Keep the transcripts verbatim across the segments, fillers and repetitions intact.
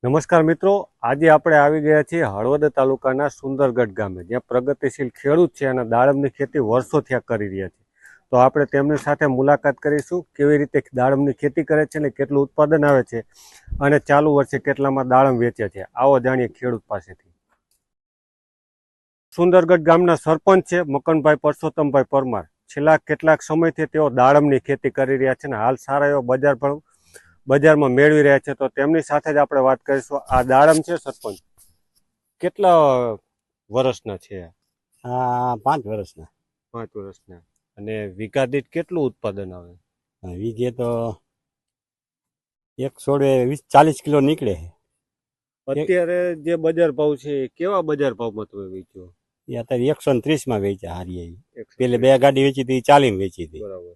નમસ્કાર મિત્રો, આજે આપણે આવી ગયા છીએ હળવદ તાલુકાના સુંદરગઢ ગામે, જ્યાં પ્રગતિશીલ ખેડૂત છે અને દાડમની ખેતી વર્ષોથી કરી રહ્યા છે. તો આપણે તેમની સાથે મુલાકાત કરીશું, કેવી રીતે દાડમની ખેતી કરે છે અને કેટલું ઉત્પાદન આવે છે અને ચાલુ વર્ષે કેટલામાં દાડમ વેચે છે. આવો જાણીએ ખેડૂત પાસેથી. સુંદરગઢ ગામના સરપંચ છે મકનભાઈ પરસોત્તમભાઈ પરમાર. છેલ્લા કેટલાક સમયથી તેઓ દાડમની ખેતી કરી રહ્યા છે અને હાલ સારા એવો બજાર ભાવ બજારમાં મેળવી રહ્યા છે. તો તેમની સાથે જ આપણે વાત કરીશું. આ દાડમ છે સરપંચ, કેટલા વર્ષના છે? હા, પાંચ વર્ષના. પાંચ વર્ષના. અને વીઘા દીઠ કેટલું ઉત્પાદન આવે? વીઘે તો એક સોળે વીસ ચાલીસ કિલો નીકળે. અત્યારે જે બજાર ભાવ છે કેવા બજાર ભાવમાં તમે વેચ્યો? એ અત્યારે એકસો ને ત્રીસ માં વેચ્યા હારી. પેલે બે ગાડી વેચી હતી, ચાલીસ વેચી હતી. બરાબર.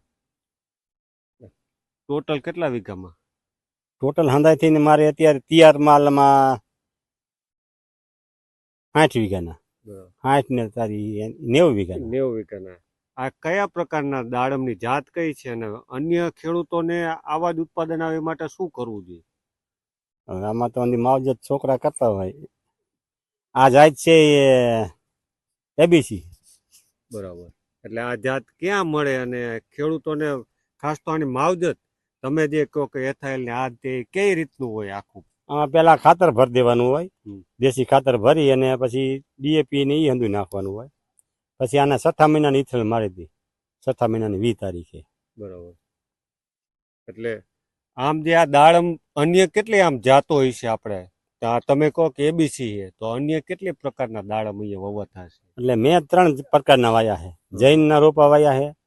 ટોટલ કેટલા વીઘામાં? ટોટલ હંધાઈ થઈને મારે અત્યારે તૈયાર માલમાં આઠ વીઘાના. આઠ ને તારી નેવું વીઘા. નેવું વીઘાના. આ કયા પ્રકારના દાડમની જાત કઈ છે અને અન્ય ખેડૂતોને આવા જ ઉત્પાદન આવે માટે શું કરવું જોઈએ? આમાં તો માવજત છોકરા કરતા હોય. આ જાત છે એબીસી. બરાબર. એટલે આ જાત ક્યાં મળે અને ખેડૂતોને ખાસ તો આની માવજત તમે જે કહો કે એથાઇલ ને આ તે કઈ રીતનું હોય આખું? આમાં પેલા ખાતર ભરી દેવાનું હોય, દેશી ખાતર ભરી અને પછી ડીએપી ને એ હંધું નાખવાનું હોય. પછી આના છઠ્ઠા મહિનાની ઇથલ મારી દી, છઠ્ઠા મહિનાની વીસ તારીખે. બરાબર. એટલે આમ જે આ દાડમ અન્ય કેટલી આમ જાતો હોય છે આપણે? તમે કહો કે એબીસી છે, તો અન્ય કેટલી પ્રકારના દાડમ અહીંયા વવાતા છે? એટલે મેં ત્રણ પ્રકારના વાયા છે. જૈન ના રોપા વાયા છે,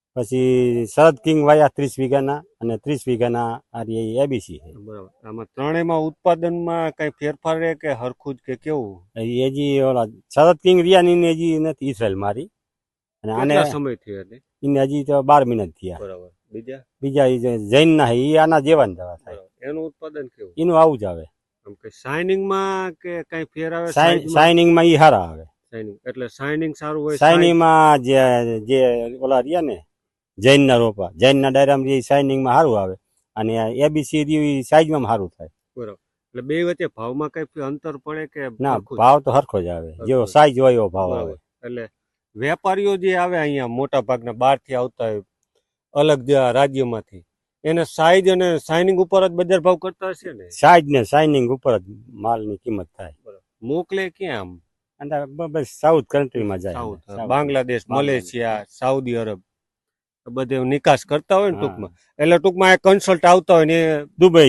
પછી શરદ કિંગ વાયા ત્રીસ વીઘાના, અને ત્રીસ વીઘાના આ એબીસી છે. બરાબર. આમાં ત્રણેયમાં ઉત્પાદનમાં કઈ ફેરફાર રહે કે હરખું જ કે કેવું? એ હજી ઓલા શરદ કિંગ રિયાની હજી નથી ઇસરાયલ મારી, અને આને સમય થયો એટલે એને હજી તો બાર મહિના થયા. બરાબર. બીજા બીજા જૈન ના એ આના જેવા દવા થાય. એનું ઉત્પાદન કેવું? એનું આવું જ આવે. કે શાઇનિંગમાં કે કઈ ફેર આવે? શાઇનિંગમાં ઈ હારા આવે. શાઇનિંગ એટલે શાઇનિંગ સારું હોય. શાઇનિંગમાં જે જે ઓલા રહ્યા ને જૈન ના રોપા, જૈન ના ડાયરામાં શાઇનિંગમાં સારું આવે, અને એબીસી સાઈઝમાં સારું થાય. બરાબર. એટલે બે વચ્ચે ભાવમાં કઈ અંતર પડે કે? ના, ભાવ તો હરખો જ આવે, જેવો સાઈઝ હોય એવો ભાવ આવે. એટલે વેપારીઓ જે આવે અહીંયા મોટા ભાગના બહાર થી આવતા હોય અલગ રાજ્યમાંથી, એને સાઈઝ અને શાઇનિંગ ઉપર જ બજાર ભાવ કરતા હશે ને? સાઈઝ ને શાઇનિંગ ઉપર જ માલની કિંમત થાય. મોકલે ક્યાં આમ? બસ સાઉથ કન્ટ્રીમાં જાય. South, Bangladesh, Malaysia, Saudi Arab બધે નિકાસ કરતા હોય ને ટૂંકમાં. એટલે ટૂંકમાં આ કન્સલ્ટ આવતા હોય ને દુબઈ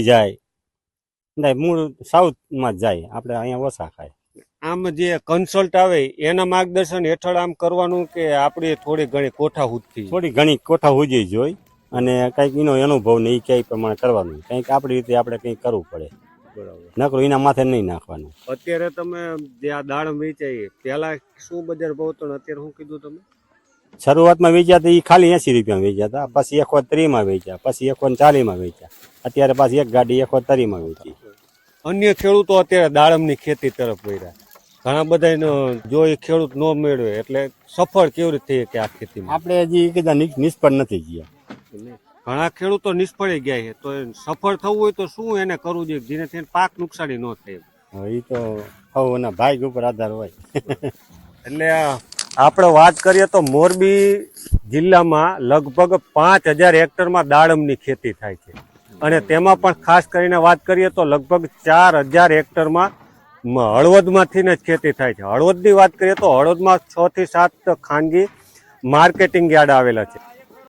જાય, મૂળ સાઉથમાં જ જાય. આપણે અહીંયા ઓછા ખાય. આમ જે કન્સલ્ટ આવે એના માર્ગદર્શન હેઠળ આમ કરવાનું કે આપણી થોડી ઘણી કોઠા હુદથી? થોડી ઘણી કોઠા હુજી જોઈ, અને કંઈક એનો અનુભવ ને એ કઈ પ્રમાણે કરવાનું. કંઈક આપણી રીતે આપણે કંઈક કરવું પડે. બરાબર. નકરું એના માથે નહીં નાખવાનું. અત્યારે તમે જે આ દાડમ વેચાય પેલા શું બજાર ભાવ હતો ને અત્યારે શું કીધું તમે? શરૂઆતમાં વેચ્યા હતા એ ખાલી એસી રૂપિયામાં વેચ્યા હતા, પછી એકો ત્રીસમાં વેચ્યા, પછી એકો ચાલીસમાં વેચ્યા, અત્યારે પાછી એક ગાડી એકો ત્રીસમાં વેચી. અન્ય ખેડૂતો અત્યારે દાડમની ખેતી તરફ વળ્યા. ઘણા બધા જો એ ખેડૂત ન મેળવે એટલે સફળ કેવી રીતે થઈ કે આ ખેતીમાં? આપણે હજી કીધા નિષ્ફળ નથી ગયા. ઘણા ખેડૂતો નિષ્ફળ ગયા છે, તો સફળ થવું હોય તો શું એને કરવું જોઈએ જેનાથી પાક નુકસાની ન થાય? એ તો હવે એના ભાગ ઉપર આધાર હોય. એટલે આપણે વાત કરીએ તો મોરબી જિલ્લામાં લગભગ પાંચ હજાર હેક્ટરમાં દાડમની ખેતી થાય છે, અને તેમાં પણ ખાસ કરીને વાત કરીએ તો લગભગ ચાર હજાર હેક્ટરમાં હળવદમાંથી જ ખેતી થાય છે. હળવદની વાત કરીએ તો હળવદમાં છ થી સાત ખાનગી માર્કેટિંગ યાર્ડ આવેલા છે.